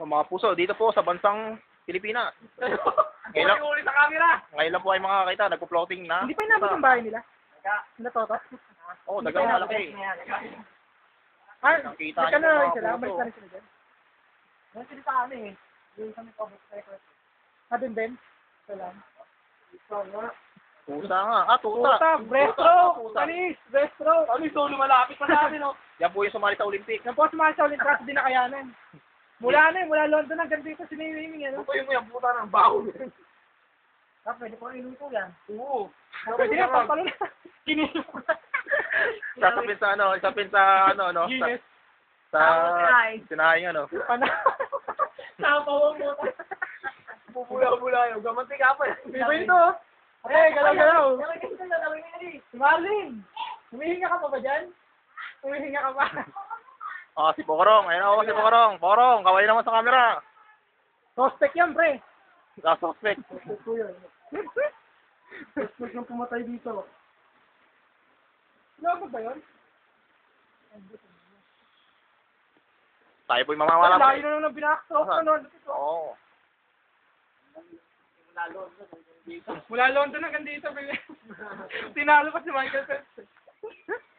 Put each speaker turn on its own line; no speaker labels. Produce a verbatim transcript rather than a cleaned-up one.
So, mga puso, dito po sa bansang Pilipinas. Ngayon lang,
Uli sa camera!
ngayon lang po ay makakita, nagpo-floating na.
Hindi pa inabot yung bahay nila. Sila Toto.
Oo, oh, dagang malaki.
Ah,
Nakita
nagka
niyo
na
mga
sila,
puso.
umalis na rin sila dyan.
Yan sila sa amin eh. Yung kami public record.
Ah, dun din. Salam.
Tusa nga. Ah, tusa.
Tuta, breaststroke,
Tusa.
panis, breaststroke.
Kami so lumalapit pa sa amin oh.
Yan po yung sumali sa Olympic.
Yan po sumali sa Olympic kasi di nakayanan. Mula na eh, mula London hanggang dito sinimiming ano.
Ito yung yung puta ng baho.
Ah, pwede ko inuwi ko yan.
Oo.
Pwede na, pampalo na. Kinilo ko na.
Sasapin sa ano, isapin sa ano, no? Sa,
Guinness.
sa sinahay ano.
Pana.
Napawang mo. Bubula-bula yung gamanti ka pa.
Vivo ito oh. Eh, galaw-galaw.
Galaw-galaw.
Si Marlin, humihinga ka pa ba dyan? Humihinga ka pa.
Ah, si Pokorong. Ayun ako si Pokorong. Pokorong, kaway naman sa camera.
Suspect yan, pre.
Ah, suspect.
Suspect yan. Suspect yung pumatay dito. Ano ba yun?
Tayo po'y mamamala.
Layo na nung binakasok
Ah.
na nun.
Oo.
Mula London hanggang dito. Tinalo pa si Michael Phelps.